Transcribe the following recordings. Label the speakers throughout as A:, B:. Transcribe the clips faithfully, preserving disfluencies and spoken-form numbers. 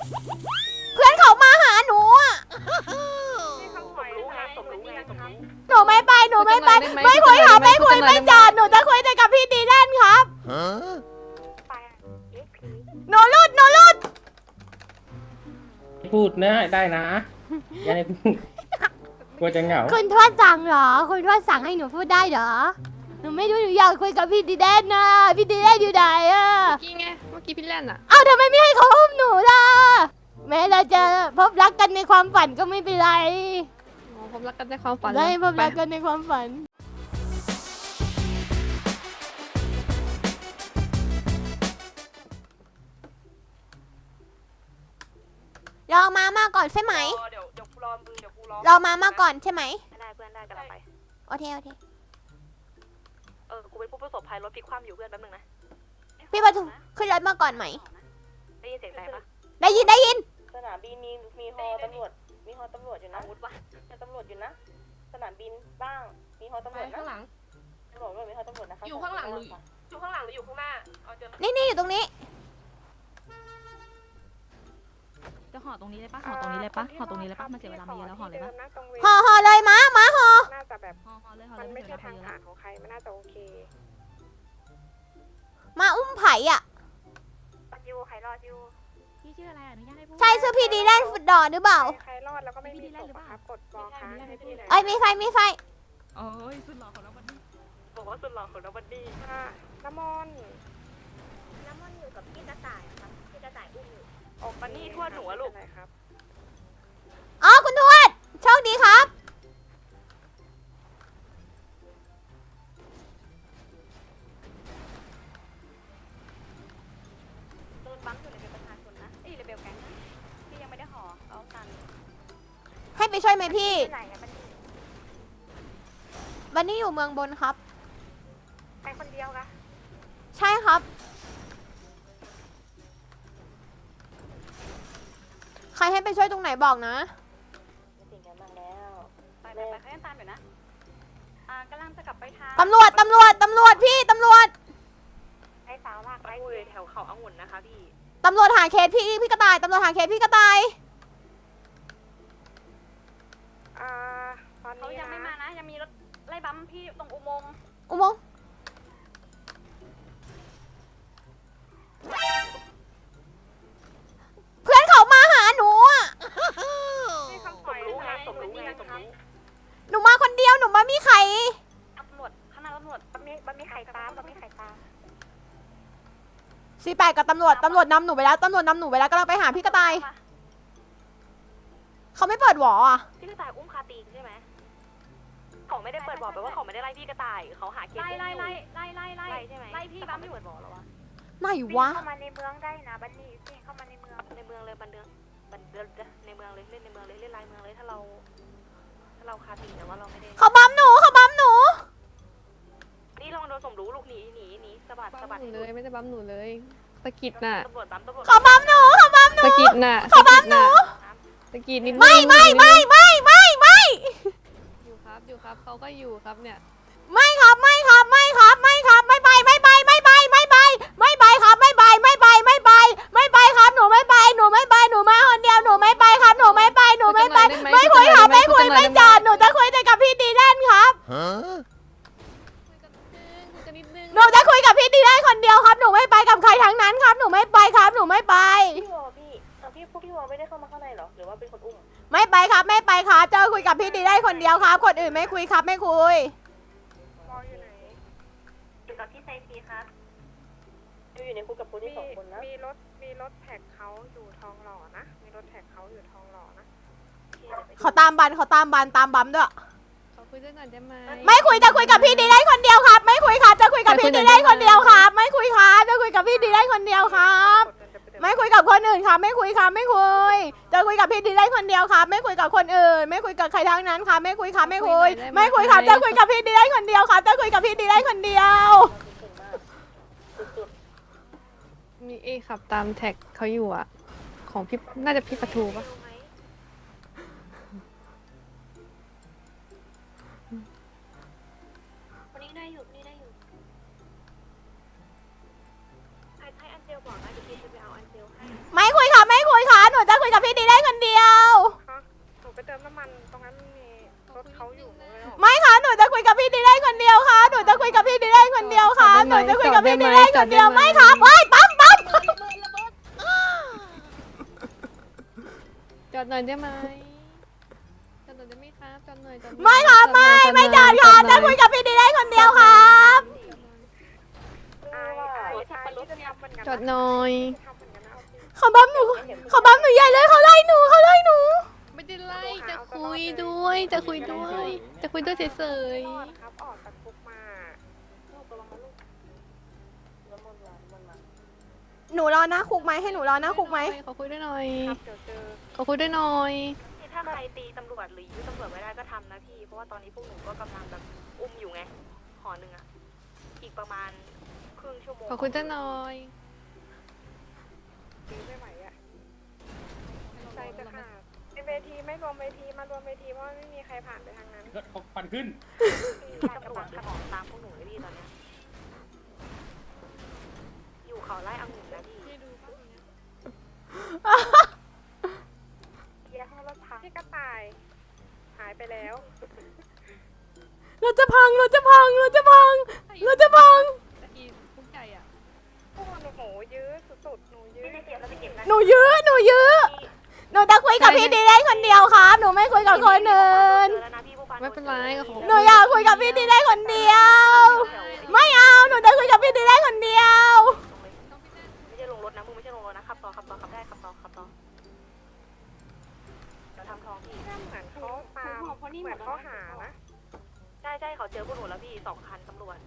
A: เพื่อนเขามาหาหนูอ่ะหนูไม่ไปหนูไม่ไปไม่คุยค่ะไม่คุยไม่จอดหนูจะคุยแต่กับพี่ดีแลนครับหนูรุดหนูรุด
B: พูดนะได้นะอย่าให้พูดกลัวจะเหงา
A: คุณทวดสั่งเหรอคุณทวดสั่งให้หนูพูดได้เหรอหนูไม่รู้หนูอยากคุยกับพี่ดีแลนนะพี่ดีแลนอยู่ไหนอะ
C: เมื่อกี้ไงเมื่อกี้พี่แลนอะ
A: เอ้าทำไมไม่ให้เขาอุ้มหนูล่ะแม้เราจะพบรักกันในความฝันก็ไม่เป็นไร
C: อ๋อผมรักกันในความฝัน
A: ได้พบรัก
C: ไป
A: กันในความฝันรอมามาก่อนใช่ไหม
D: เดี๋ยวเดี๋ยวกูรอมึงเดี๋ยวกูรอ
A: รอมามาก่อนใช่ไหม
D: ได้เพื่อนได้กำลังไป
A: โอเคโอเค
D: เออกูเป็นผู้ประสบภัยรถพลิกคว่ำอยู่เพื่อนแป๊บนึงนะ
A: พี่ประทุมขึ้นรถมาก่อนไหม
D: ได้ยินเสียงไหนปะ
A: ได้ยินได้ยิน
E: สนามบินมีมีฮอตำรวจมีฮอตำรวจอยู่นะ
D: อาวุธวะ
E: มีตำรวจอยู่นะสนามบินบ้างมีฮอตำรวจนะ
C: ข้างหลัง
E: ตำรวจด้วยมีฮอตำรวจนะคะ
C: อยู่ข้างหลังหรือ
D: อยู่ข้างหลังหรืออยู่ข้างหน้าเอาเจอ
A: นี่นี่อยู่ตรงนี้
F: จะห่อตรงนี้เลยปะห่อตรงนี้เลยปะห่อตรงนี้เลยปะมันเสียเวลามาเยอะแล้วห่อเลยปะ
A: ห่อห่อเลยม้าม้าห่อ
D: น่าจะแบบ
F: ห่อห่อเลยห่อ
D: มั
F: เล
D: น
F: ย
D: ไม่
F: ไม่เสีย
D: ใช่
F: เวลา
D: ทาง
F: มาเยอะแล้ว
D: ผ่านของใครมันน่าจะโอเค
A: มาอุ้มไผ่อ่ะ
D: ยูใครรอดยู
F: พี่ชื่ออะไรอนุญาตให้พูด
A: ใช่ชื่อพี่ดีแลนฟุตดอร์หรือเปล่า
D: ใครรอดแล้วก็ไม่มีศพครับกดบอลค้างให้พี่หน่อย
A: เอ้ยมีไฟมีไฟ
F: โอ้ยสุดหล่อของเราวันนี้
D: บอกว่าสุดหล่อของเราบันดี้น้ำมนต์
E: น้ำมันอยู่กับพี่กระต่ายครับพี่กระต่ายอุ้มอยู่
D: ออกบันนี่ทวดหนูอะลูกครับ
A: อ๋อคุณทวดโชคดีครับ
D: โดนบัมอยู่ในเป็นประชาชนนะเอ้ยในเบลแก๊งนะที่ยังไม่ได้ห่อเอาตัน
A: ให้ไปช่วยไหมพี่
E: ไหนอะมัน
A: บันนี่อยู่เมืองบนครับ
D: ไปคนเดียวกะ
A: ใช่ครับ ใครให้ไปช่วยตรงไหนบอกนะ
E: ไม่ติดกันบ้างแล้ว
D: ไปไปไปเขายังตามอยู่นะอ่ากำลังจะกลับไปทาง
A: ตำรวจ ตำรวจ ตำรวจพี่ตำรวจ
D: ไอ้สาวลากไปคุยแถวเขาองุ่นนะคะพี่
A: ตำรวจหาเคสพี่พี่กระต่าย ตำรวจหาเคสพี่กระต่าย
D: อ่าตอนนี้เขายังไม่มานะยังมีรถไล่บัมพี่ตรงอุโมงค์
A: อุโมงค์เพื่อนเขามาหาหนูอ่ะ
D: ให้คำสมรู้ไงสมรู้ไงสมรู้
A: หนูมาคนเดียวหนูมามีใคร
D: ตำรวจข้างหน้าตำรวจมันมีมันมีไข่ตามมันมีไข่ตาม
A: สี่แปดกับตำรวจ ตำรวจนำหนูไปแล้ว ตำรวจนำหนูไปแล้วกำลังไปหาพี่กระต่าย เขาไม่เปิดหวออ่ะ
D: พี่กระต่ายอุ้มคาตีนใช่ไหมเขาไม่ได้เปิดบอกไปว่าเขาไม่ได้ไล่พี่กระต่ายเขาหาเคสไล่ไล่ไล่ไล่ไล่ไล่ใช่ไหมไล่พี่บัมไม่เปิดบอกหรอวะ
A: ไหนวะ
E: เข้ามาในเมืองได้นะบันนี่พี่เข้ามาในเมือง
D: ในเมืองเลยบันเดืองบันเดืองในเมืองเลยเล่นในเมืองเลยเล่นลายเมืองเลยถ้าเราถ้าเราคาตีแต่ว่าเราไม่ได้
A: เขาบัมหนูเขาบัมหนู
D: นี่ลองโดนสมรู้ลูกหนีหนีหนีสะบัด
C: บั
D: สะบัด
C: มหนูเลยไม่ได้บัมหนูเลยสะกิดน่ะ
D: ตำรวจบัมตำรวจ
A: เขาบัมหนูเขาบัมหนู
C: สะกิดน่ะ
A: เขาบัมหนู
C: สะกิดนิดนึง
A: ไม่ไม่ไม่ไม่ไม่ไม่
C: อยู่ครับอยู่ครับเขาก็อยู่ครับเนี่ย
A: ไม่ครับไม่ครับไม่ครับไม่ครับไม่ไปไม่ไปไม่ไปไม่ไปไม่ไปครับไม่ไปไม่ไปไม่ไปไม่ไปครับหนูไม่ไปหนูไม่ไปหนูมาคนเดียวหนูไม่ไปครับหนูไม่ไปหนูไม่ไปไม่คุยครับไม่คุยไม่จอดหนูจะคุยแต่กับพี่ดีแลนครับ
C: คุยกันนิดนึง
A: หนูจะคุยกับพี่ดีแลนคนเดียวครับหนูไม่ไปกับใครทั้งนั้นครับหนูไม่ไปครับหนูไม่ไป
E: พี่วอพี่เออพี่พวกพี่วอไม่ได้เข้ามาข้างในหรอหรือว่าเป็นคนอุ้ม
A: ไม่ไปครับไม่ไปครับจะคุยกับพี่ดีแลนคนเดียวครับคนอื่นไม่คุยครับไม่คุย
D: มออยู่ไหน
E: อยู่กับพี่ไซฟีครับอยู่ในคุกกับคนที่สองคนนะ
D: มีรถมีรถแท็กเขาอยู่ทองหล่อนะมีรถแท็กเขาอยู่ทองหล่อนะ
A: เขาตามบันเขาตามบันตามบัมด้วย
C: ขอคุยด้วยหน่อยได้ไหม
A: ไม่คุยจะคุยกับพี่ดีแลนคนเดียวครับ ไม่คุยครับจะคุยกับพี่ดีแลนคนเดียวครับ ไม่คุยครับจะคุยกับพี่ดีแลนคนเดียวครับ ไม่คุยกับคนอื่นครับไม่คุยครับไม่คุยจะคุยกับพี่ดีแลนคนเดียวครับ ไม่คุยกับคนอื่น ไม่คุยกับใครทั้งนั้นครับไม่คุยครับไม่คุย ไม่คุยครับจะคุยกับพี่ดีแลนคนเดียวครับจะคุยกับพี่ดีแลนคนเดียว
C: มีเอขับตามแท็กเขาอยู่อ่ะ ของพี่น่าจะพี่ปะทูปะ
E: คนนี้ได้อยู่นี่ได้อยู่
D: ให้ให้อันเจลบอกนะเดี๋ยวพี่จะไปเอาอันเจลให้
A: ไม่คุยครับไม่คุยครับหนูกับพี่ดีเล่นคนเดียวไม่ครับเฮ้ยปั๊มปั๊ม
C: จอดหน่อยได้ไหมจอดหน่อยได้ไหมครับจอดหน่อยจอดหน่อย
A: ไม่ครับไม่ไม่จอดครับจะคุยกับพี่ดีเล่นคนเดียวครับ
C: จอดหน่อย
A: เขาบัมหนูเขาบัมหนูใหญ่เลยเขาไล่หนูเขาไล่หนู
C: ไม่ได้ไล่จะคุยด้วย จะคุยด้วย จะคุยด้วยเฉย
E: ครับออกจากคุกมา
A: หนูรอหน้าคุกไหมให้หนูรอหน้าคุกไหม
C: ขอคุยด้วยหน่อย
E: ครับเดี๋ยวเจอ
C: ขอคุยด้วยหน่อย
D: ถ้าใครตีตำรวจหรือยื้อตำรวจไม่ได้ก็ทำนะพี่ เพราะว่าตอนนี้พวกหนูก็กำลังแบบอุ้มอยู่ไงหอหนึ่งอะอีกประมาณครึ่งชั่วโมง
C: ขอคุยด้วยหน่อย
E: ซื้อไม่ไหวอ่ะใจจะขาดในเวทีไม่รวมเวทีมารวมเวทีเพราะไม่มีใครผ่านไปทางนั้น
B: ก็ฟันขึ้น
D: ตำรวจขอตามพวกหนูเลยพี่ตอนเนี้ยอยู่เขาไล่องุ่นนะพี่
E: เกียร์ห้องรถพังที่กระต่าย หายไปแล้ว
A: เราจะพังเราจะพังเราจะพังเราจะพัง
C: ตะกี้พุ่งใจอ่ะ
E: พวกหนูยื้อสุดๆหนูยื้อ
D: ไม่ได้เก็บแล้วไปเก็บนะ
A: หนูยื้อหนูยื้อหนูจะคุยกับพี่ดีเล่นคนเดียวครับหนูไม่คุยกับคนอื่น
D: เจอแล้วนะพี่ผู้พัน
C: ไม่เป็นไรก็ขอ
A: หนูอยากคุยกับพี่ดีเล่นคนเดียว ไม่เอาหนูจะคุยกับพี่ดีเล่นคนเดียว
D: ไม่ใช่ลงรถนะมึงไม่ใช่ลงรถนะขับต่อขับต่อขับได้ขับต่อขับต่อเดี๋ยวทำทองพี่
E: เหมือนเขาตามเหมือนเขาหานะ
D: ใช่ใช่เขาเจอพวกหนูแล้วพี่สองคันตำรวจ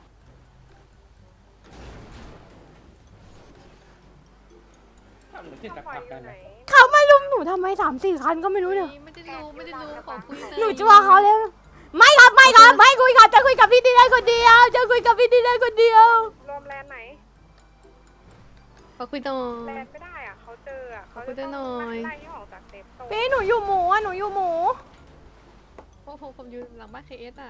B: ทำเหมือนที่
E: เขา
B: ตัก
E: ปล่อย
B: ผัก
E: อ
B: กั
E: ยู่
B: น
E: ไหน
B: นะ
A: เขามาลุมหนูทำไมสามสี่คันก็ไม่รู้เนี่ย
C: ไม่ได้รู้ไม่ได้รู้ขอคุย
A: หนูจัวเขาแล้วไม่ครับไม่ครับไม่คุยครับจะคุยกับพี่ดีเล่นคนเดียวจะคุยกับพี่ดีเล่นคนเดียว
E: รวมแลนด์ไหน
C: ขอคุยหน่อ
E: แล
C: ย
E: นด์ไม่ได้อ่ะเขาเจออ่ะเขา
C: ขอคุยด้วยหน่อย
E: ไล่ที่ออกจากเซฟโซน
A: พี่หนูอยู่หมูอ่ะหนูอยู่หมู
C: เพราะผมผมอยู่หลังบ้านเคเอสอ่ะ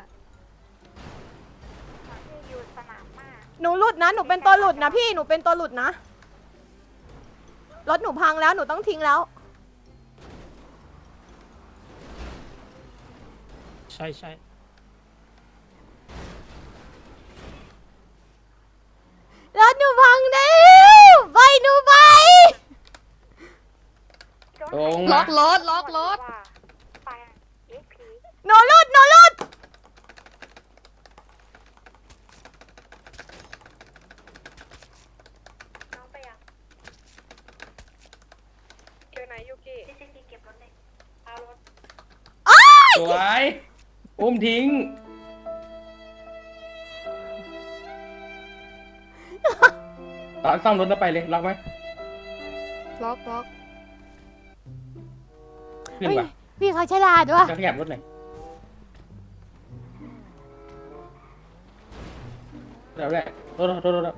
E: ที่อยู่สนามมาก
A: หนูหลุดนะหนูเป็นตัวหลุดนะพี่หนูเป็นตัวหลุดนะรถหนูพังแล้วหนูต้องทิ้งแล้ว
G: ใช่ใช่
A: รถหนูพังแล้วไปหนูไป
B: ตรง
C: ล็
B: มา
C: อกรถล็อกรถ
E: ไปเอ็กพี
A: หนูหลุดหนูหลุด
E: น้องไปยังอยู่ไหนยูกิซีซีเก็บรถเลยเอารถ
B: สวยอุ้มทิ้ง ตอนซ่อมรถแล้วไปเลยล็อกไหม
C: ล็อกล็อก
B: ขึ้น
A: เฮ้ย
B: ป่ะ
A: พี่เขาฉลาดว่ะ
B: จะขยับรถหน่อยเดี๋ยวแหละรถรถรถรถ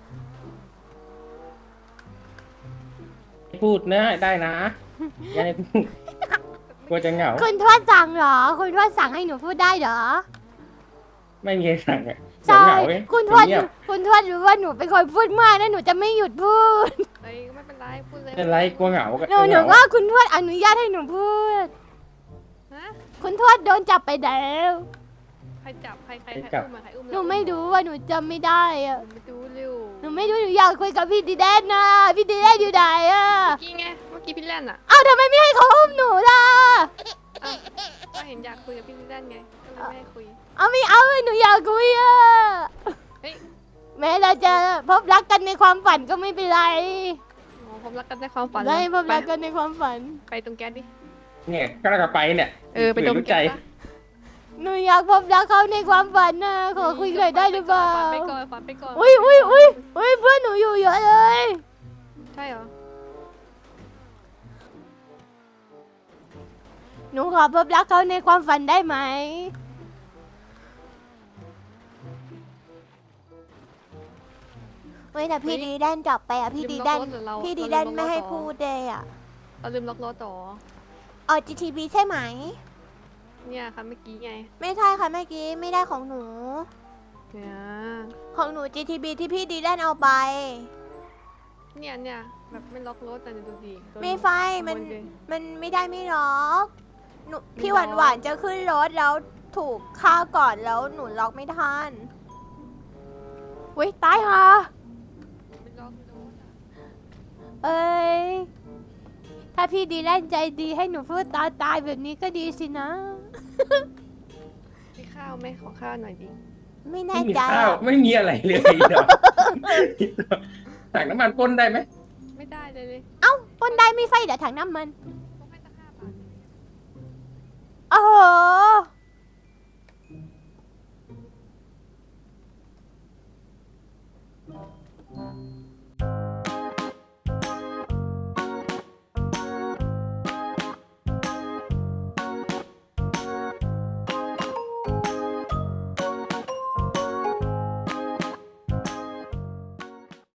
B: พูดนะได้นะอย่าให้พูดกลัวจะเหงา
A: คุณทวดสั่งเหรอคุณทวดสั่งให้หนูพูดได้เหรอ
B: ไม่มีใครสั่งอ่ะเดี๋ยว
A: ใช่
B: เหงาเว้ย
A: คุณทวด
B: เงียบ
A: คุณทวดรู้ว่าหนูเป็นคนพูดมากนะหนูจะไม่หยุดพูด
C: เอ้ยไม่เป็นไรพูดเลย
B: เป็นไรกลัวเหงาก็
A: หนูหนูว่าคุณทวดอนุญาตให้หนูพูด
C: ฮะ
A: คุณทวดโดนจับไปแล้ว
C: ใครจับใครใครใครอุ้มมาใครอุ้ม
A: หนูไม่รู้ว่าหนูจำไม่ได้อะ
C: หนูไม่รู้เร็ว
A: หนูไม่รู้หนูอยากคุยกับพี่ดีแดนนะพี่ดีแดนอยู่ไหนอะ
C: เมื่อกี้ไงเมื่อกี้พี่แลนอ่ะ
A: เอ้าทำไมไม่ให้เขาอุ้มหนูล่ะ
C: อ้าวก็เห็นอยากคุยกับพี่แลนไงก็เลยไม่ให้คุย
A: เอาไม่เอาหนูอยากคุยอะ
C: เฮ้ย
A: แม้เราจะพบรักกันในความฝันก็ไม่เป็นไร
C: อ๋อผมรักกันในความฝัน
A: ได้พบ
C: ไป
A: รักกันในความฝัน
C: ไปตรงแก๊สดิ
B: เนี่ยก็เราไปเนี่ย
C: เออไปตรง
B: รู้ใจ
C: แก๊สปะ
A: หนูอยากพบรักเขาในความฝันนะขอคุยหน่อยได้หรือเปล่า
C: ฝันไปก่อนฝันไปก่อน
A: อุ้ยอุ้ยอุ้ยอุ้ยเพื่อนหนูอยู่เยอะเลย
C: ใช่เหรอ
A: หนูขอพบรักเขาในความฝันได้ไหมเฮ้ยแต่พี่ดีแดนจับไปอ่ะพี่ดีแดน
C: ลืมล็อกรถหรือเรา
A: พี่ดี
C: เรา
A: แดน
C: ลืมล็อก
A: ไม่ให้
C: รถต่อ
A: พูดเลยอ่ะ
C: เราลืมล็อกรถต่อ
A: เออ จี ที บี ใช่ไหม
C: เนี่ยค่ะเมื่อกี้ไง
A: ไม่ใช่ค่ะเมื่อกี้ไม่ได้ของหนู
C: เนี่ย
A: ของหนู จี ที บี ที่พี่ดีแดนเอาไป
C: เนี่ยเนี่ยแบบไม่ล็อกรถแต่ดูดิโดน
A: ไม่ไฟมัน
C: ขโยเลย
A: มันไม่ได้ไม่ล็อกหนู
C: ไม่
A: พี่
C: ล็
A: ห
C: อ
A: วาก นหวานๆจะขึ้นรถแล้วถูกฆ่าก่อนแล้วหนูล็อกไม่ทันอุ้ยตายค่ะ
C: ไม่รอไม่รอ
A: เอ้ย ถ้าพี่ดีแลนใจดีให้หนูพูดตายตายแบบนี้ก็ดีสินะ
C: มีข้าวไหมขอข้าวหน่อยดิ
A: ไม่แน่
B: ไม่มี
A: ใจ
B: ข้าว
A: อะ
B: ไม่มีอะไรเลยเนาะถังน้ำมันพ่นได้ไหม
C: ไม่ได้เลยเลย
A: เอ้าปนได้ไม่ไฟเดี๋ยวถังน้ำมัน
C: ต้องให้ตั้งห้าบาท
A: โอ้โห